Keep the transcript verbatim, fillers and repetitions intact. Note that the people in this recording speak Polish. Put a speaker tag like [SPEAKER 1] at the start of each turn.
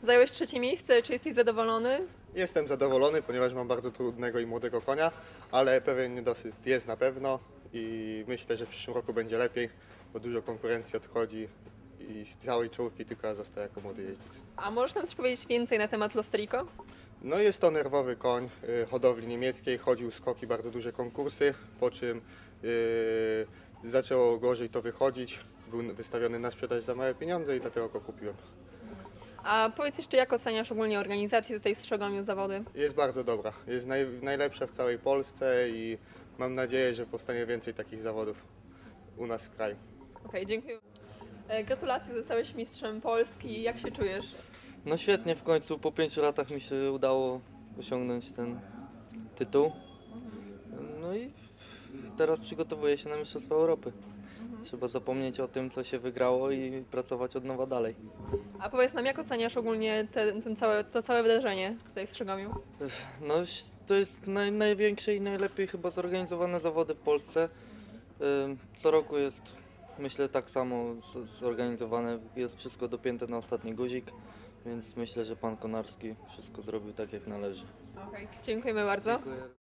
[SPEAKER 1] Zająłeś trzecie miejsce, czy jesteś zadowolony?
[SPEAKER 2] Jestem zadowolony, ponieważ mam bardzo trudnego i młodego konia, ale pewien niedosyt jest na pewno i myślę, że w przyszłym roku będzie lepiej, bo dużo konkurencji odchodzi i z całej czołówki tylko ja zostaję jako młody jeździec.
[SPEAKER 1] A możesz nam coś powiedzieć więcej na temat Lostrico?
[SPEAKER 2] No jest to nerwowy koń y, hodowli niemieckiej, chodził skoki, bardzo duże konkursy, po czym y, zaczęło gorzej to wychodzić, był wystawiony na sprzedaż za małe pieniądze i dlatego go kupiłem.
[SPEAKER 1] A powiedz jeszcze, jak oceniasz ogólnie organizację tutaj w Strzegomiu zawody?
[SPEAKER 2] Jest bardzo dobra, jest naj, najlepsza w całej Polsce i mam nadzieję, że powstanie więcej takich zawodów u nas w kraju.
[SPEAKER 1] Okej, dziękuję. E, Gratulacje, zostałeś mistrzem Polski. Jak się czujesz?
[SPEAKER 3] No świetnie, w końcu po pięciu latach mi się udało osiągnąć ten tytuł. No i teraz przygotowuję się na Mistrzostwa Europy. Trzeba zapomnieć o tym, co się wygrało i pracować od nowa dalej.
[SPEAKER 1] A powiedz nam, jak oceniasz ogólnie te, ten całe, to całe wydarzenie tutaj w Strzegomiu?
[SPEAKER 3] No to jest naj, największe i najlepiej chyba zorganizowane zawody w Polsce. Ym, Co roku jest, myślę, tak samo z- zorganizowane. Jest wszystko dopięte na ostatni guzik, więc myślę, że pan Konarski wszystko zrobił tak, jak należy.
[SPEAKER 1] Okej, dziękujemy bardzo.
[SPEAKER 3] Dziękuję.